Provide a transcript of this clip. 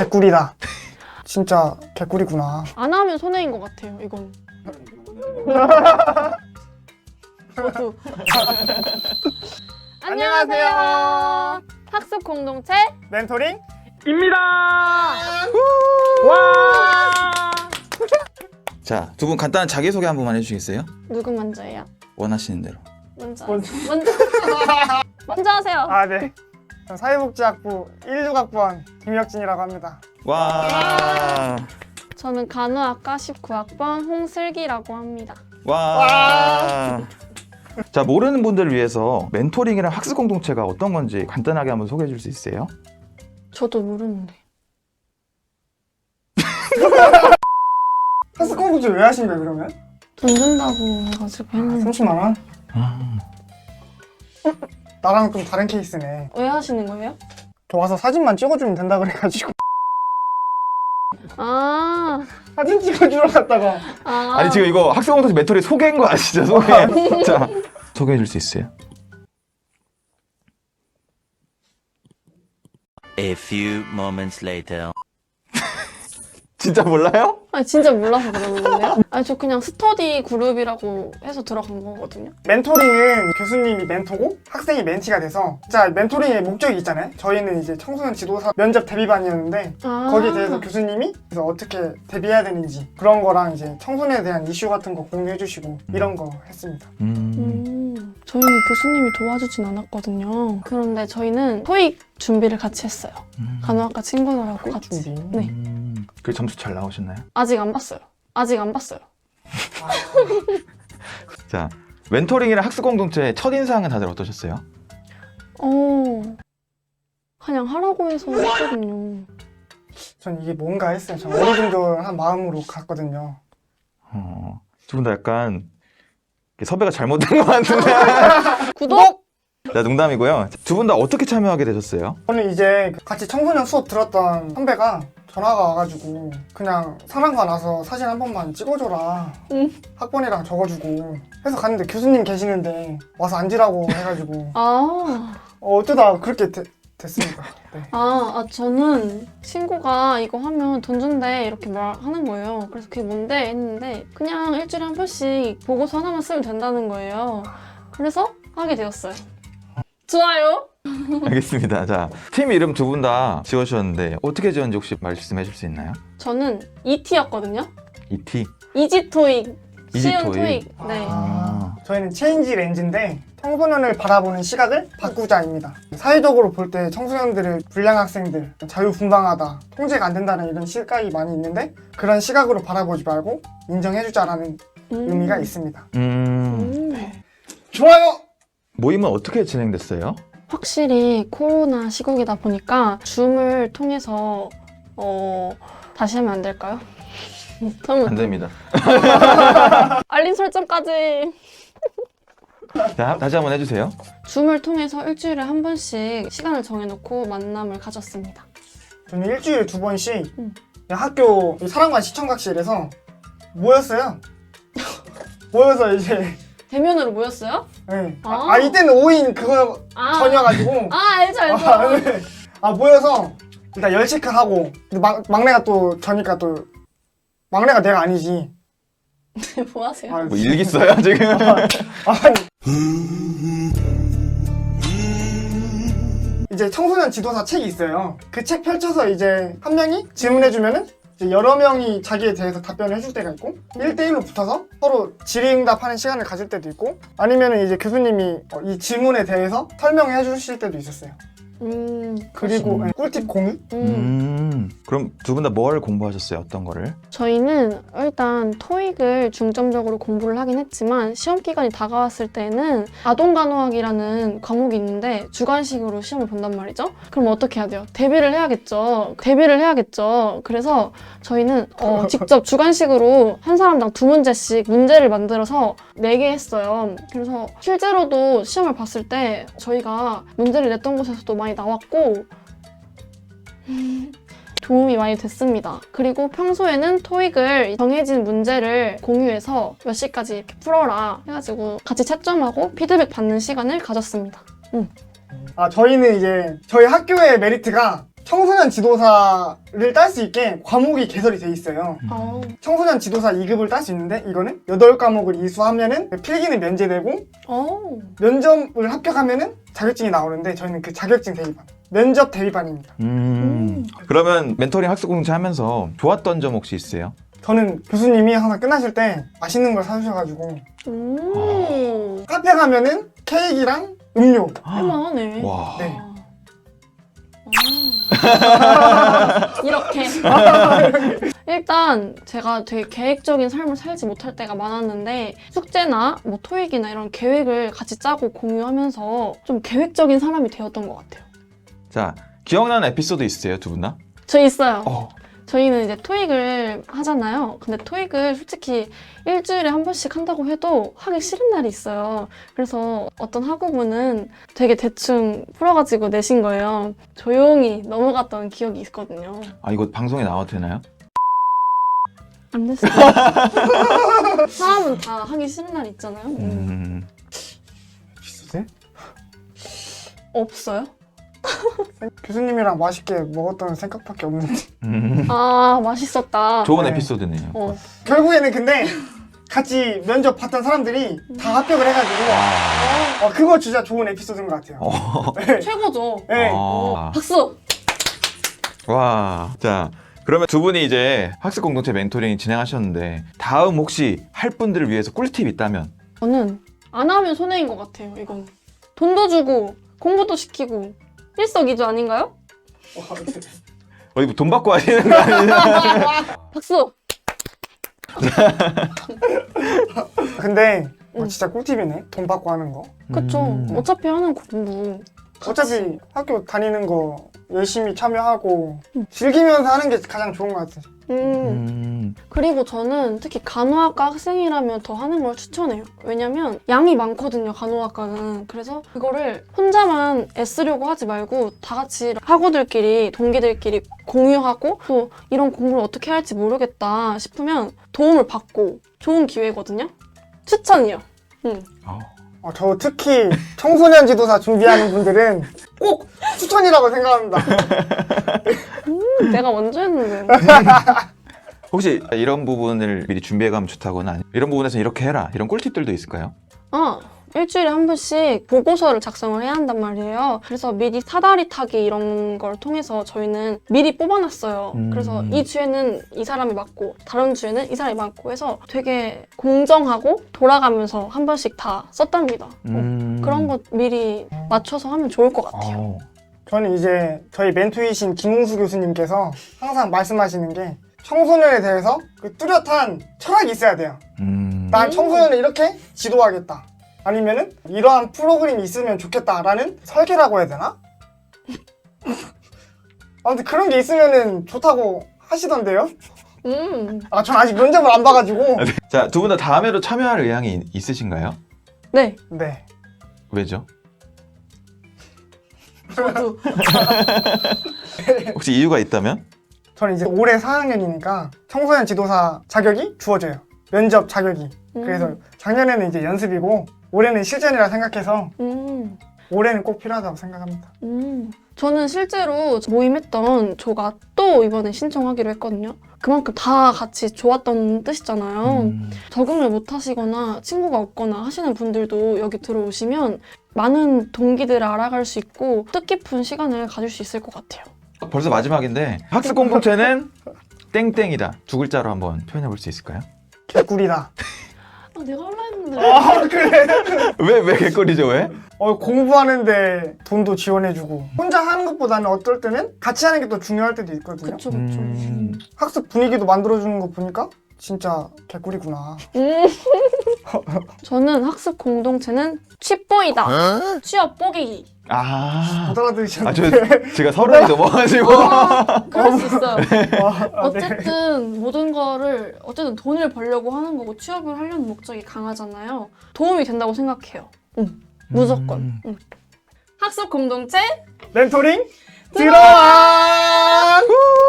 개꿀이다. 진짜 개꿀이구나. 안 하면 손해인 것 같아요, 이건. 저도. 안녕하세요. 학습 공동체 멘토링? 입니다. 와. 자, 두 분 간단한 자기소개 한 번만 해주시겠어요? 누구 먼저예요? 원하시는 대로. 먼저 하세요. 아, 네. 전 사회복지학부 16학번 김혁진이라고 합니다. 와. 저는 간호학과 19학번 홍슬기라고 합니다. 와. 자, 모르는 분들을 위해서 멘토링이랑 학습 공동체가 어떤 건지 간단하게 한번 소개해 줄 수 있어요? 저도 모르는데. 학습 공동체 왜 하신 거예요, 그러면? 돈 준다고 해가지고 했는데. 30만 원? 나랑 좀 다른 케이스네. 왜 하시는 거예요? 저 와서 사진만 찍어주면 된다 그래가지고 아, 사진 찍어주러 갔다가 아니, 지금 이거 학습 공동체 멘토링 소개인 거 아시죠? 소개. 자, 소개해 줄 수 있어요? A few moments later. 진짜 몰라요? 아니 진짜 몰라서 그러는 건데요? 아니 저 그냥 스터디 그룹이라고 해서 들어간 거거든요. 멘토링은 교수님이 멘토고 학생이 멘티가 돼서 진짜 멘토링의 목적이 있잖아요. 저희는 이제 청소년 지도사 면접 대비반이었는데 거기에 대해서 교수님이 그래서 어떻게 대비해야 되는지 그런 거랑 이제 청소년에 대한 이슈 같은 거 공유해 주시고 이런 거 했습니다. 저희는 교수님이 도와주진 않았거든요. 그런데 저희는 토익 준비를 같이 했어요. 간호학과 친구들하고 같이. 준비. 네. 그 점수 잘 나오셨나요? 아직 안 봤어요. 자, 멘토링이랑 학습 공동체의 첫인상은 다들 어떠셨어요? 그냥 하라고 해서 했거든요. 전 이게 뭔가 했어요. 전 어리둥절한 마음으로 갔거든요. 두 분 다 약간 섭외가 잘못된 것 같은데. 구독! 자, 농담이고요. 두 분 다 어떻게 참여하게 되셨어요? 저는 이제 같이 청소년 수업 들었던 선배가 전화가 와가지고 그냥 상황가 나서 사진 한 번만 찍어줘라. 학번이랑 적어주고 해서 갔는데 교수님 계시는데 와서 앉으라고 해가지고 어쩌다 그렇게 됐습니다. 네. 저는 친구가 이거 하면 돈 준대 이렇게 말하는 거예요. 그래서 그게 뭔데 했는데 그냥 일주일에 한 번씩 보고서 하나만 쓰면 된다는 거예요. 그래서 하게 되었어요. 좋아요. 알겠습니다. 자, 팀 이름 두 분 다 지어주셨는데 어떻게 지었는지 혹시 말씀해 줄 수 있나요? 저는 ET였거든요. ET? 이지토익. 이지 쉬운 토익. 토익. 네. 저희는 체인지 렌즈인데 청소년을 바라보는 시각을 바꾸자입니다. 사회적으로 볼 때 청소년들을 불량 학생들, 자유분방하다, 통제가 안 된다는 이런 시각이 많이 있는데 그런 시각으로 바라보지 말고 인정해주자라는 의미가 있습니다. 좋아요! 모임은 어떻게 진행됐어요? 확실히 코로나 시국이다 보니까 줌을 통해서 다시 하면 안 될까요? 안 됩니다. 알림 설정까지. 자, 다시 한번 해주세요. 줌을 통해서 일주일에 한 번씩 시간을 정해놓고 만남을 가졌습니다. 저는 일주일에 2번씩 학교 사랑관 시청각실에서 모였어요. 모여서 이제 대면으로 모였어요? 네. 아. 이때는 5인 그거 전이어가지고 알죠. 네. 모여서 일단 열 체크하고 근데 막내가 또 저니까 또 막내가 내가 아니지. 뭐 하세요? 뭐 일기 써요 지금? 이제 청소년 지도사 책이 있어요. 그 책 펼쳐서 이제 한 명이 질문해주면은 이제 여러 명이 자기에 대해서 답변을 해줄 때가 있고 1대1로 붙어서 서로 질의응답하는 시간을 가질 때도 있고 아니면은 이제 교수님이 이 질문에 대해서 설명해 주실 때도 있었어요. 그리고 꿀팁 공유? 그럼 두 분 다 뭘 공부하셨어요? 어떤 거를? 저희는 일단 토익을 중점적으로 공부를 하긴 했지만 시험 기간이 다가왔을 때는 아동간호학이라는 과목이 있는데 주관식으로 시험을 본단 말이죠. 그럼 어떻게 해야 돼요? 대비를 해야겠죠. 그래서 저희는 직접 주관식으로 한 사람당 2문제씩 문제를 만들어서 4개 했어요. 그래서 실제로도 시험을 봤을 때 저희가 문제를 냈던 곳에서도 많이 나왔고 도움이 많이 됐습니다. 그리고 평소에는 토익을 정해진 문제를 공유해서 몇 시까지 이렇게 풀어라 해가지고 같이 채점하고 피드백 받는 시간을 가졌습니다. 저희는 이제 저희 학교의 메리트가 청소년 지도사를 딸 수 있게 과목이 개설이 돼 있어요. 어. 청소년 지도사 2급을 딸 수 있는데 이거는 8과목을 이수하면은 필기는 면제되고 어. 면접을 합격하면은 자격증이 나오는데 저희는 그 자격증 대비반, 면접 대비반입니다. 그러면 멘토링 학습 공동체 하면서 좋았던 점 혹시 있으세요? 저는 교수님이 항상 끝나실 때 맛있는 걸 사주셔가지고 카페 가면은 케이크랑 음료. 할만하네. 와. 네. 이렇게. 일단 제가 되게 계획적인 삶을 살지 못할 때가 많았는데 숙제나 뭐 토익이나 이런 계획을 같이 짜고 공유하면서 좀 계획적인 사람이 되었던 것 같아요. 자, 기억나는 에피소드 있으세요, 두 분 다? 저 있어요. 어. 저희는 이제 토익을 하잖아요. 근데 토익을 솔직히 일주일에 한 번씩 한다고 해도 하기 싫은 날이 있어요. 그래서 어떤 학우분은 되게 대충 풀어가지고 내신 거예요. 조용히 넘어갔던 기억이 있거든요. 아, 이거 방송에 나와도 되나요? 안 됐어요. 사람은 다 하기 싫은 날 있잖아요. 비슷해? 없어요? 교수님이랑 맛있게 먹었던 생각밖에 없는데 아, 맛있었다. 좋은 네. 에피소드네요. 어. 결국에는 근데 같이 면접 봤던 사람들이 다 합격을 해가지고 아. 그거 진짜 좋은 에피소드인 것 같아요. 네. 최고죠. 네. 아. 박수! 와. 자, 그러면 두 분이 이제 학습 공동체 멘토링 진행하셨는데 다음 혹시 할 분들을 위해서 꿀팁 있다면? 저는 안 하면 손해인 것 같아요, 이건. 돈도 주고, 공부도 시키고, 일석이조 아닌가요? 어디 뭐돈 받고 하시는 거 아니에요? 박수! 근데 진짜 꿀팁이네. 돈 받고 하는 거. 그쵸. 어차피 하는 공부. 어차피 학교 다니는 거 열심히 참여하고 즐기면서 하는 게 가장 좋은 것 같아요. 그리고 저는 특히 간호학과 학생이라면 더 하는 걸 추천해요. 왜냐면 양이 많거든요, 간호학과는. 그래서 그거를 혼자만 애쓰려고 하지 말고 다 같이 학우들끼리, 동기들끼리 공유하고 또 이런 공부를 어떻게 할지 모르겠다 싶으면 도움을 받고 좋은 기회거든요. 추천이요. 저 특히 청소년 지도사 준비하는 분들은 꼭 추천이라고 생각합니다. 내가 먼저 했는데. 혹시 이런 부분을 미리 준비해가면 좋다거나 아니면 이런 부분에서 이렇게 해라 이런 꿀팁들도 있을까요? 일주일에 한 번씩 보고서를 작성을 해야 한단 말이에요. 그래서 미리 사다리 타기 이런 걸 통해서 저희는 미리 뽑아놨어요. 그래서 이 주에는 이 사람이 맞고 다른 주에는 이 사람이 맞고 해서 되게 공정하고 돌아가면서 한 번씩 다 썼답니다. 그런 거 미리 맞춰서 하면 좋을 것 같아요. 저는 이제 저희 멘토이신 김웅수 교수님께서 항상 말씀하시는 게 청소년에 대해서 그 뚜렷한 철학이 있어야 돼요. 난 청소년을 이렇게 지도하겠다. 아니면은 이러한 프로그램이 있으면 좋겠다라는 설계라고 해야 되나? 아무튼 그런 게 있으면은 좋다고 하시던데요? 전 아직 면접을 안 봐가지고. 자, 두 분 다 다음에도 참여할 의향이 있으신가요? 네. 네. 왜죠? 저도. 혹시 이유가 있다면? 저는 이제 올해 4학년이니까 청소년 지도사 자격이 주어져요. 면접 자격이. 그래서 작년에는 이제 연습이고 올해는 실전이라 생각해서 올해는 꼭 필요하다고 생각합니다. 저는 실제로 모임했던 조가 또 이번에 신청하기로 했거든요. 그만큼 다 같이 좋았던 뜻이잖아요. 적응을 못 하시거나 친구가 없거나 하시는 분들도 여기 들어오시면 많은 동기들을 알아갈 수 있고 뜻깊은 시간을 가질 수 있을 것 같아요. 벌써 마지막인데 학습 공동체는 땡땡이다 두 글자로 한번 표현해 볼 수 있을까요? 개꿀이다. 내가 하려 했는데. 그래? 왜 개꿀이죠 왜? 공부하는데 돈도 지원해주고 혼자 하는 것보다는 어떨 때는 같이 하는 게 더 중요할 때도 있거든요. 그쵸. 학습 분위기도 만들어주는 거 보니까 진짜 개꿀이구나. 저는 학습 공동체는 취뽀이다. 취업 뽀개기. 못 알아들으셨는데. 제가 서른이 넘어가지고 그럴 수 있어요. 네. 어쨌든 모든 거를 어쨌든 돈을 벌려고 하는 거고 취업을 하려는 목적이 강하잖아요. 도움이 된다고 생각해요. 무조건. 학습 공동체 멘토링 들어와!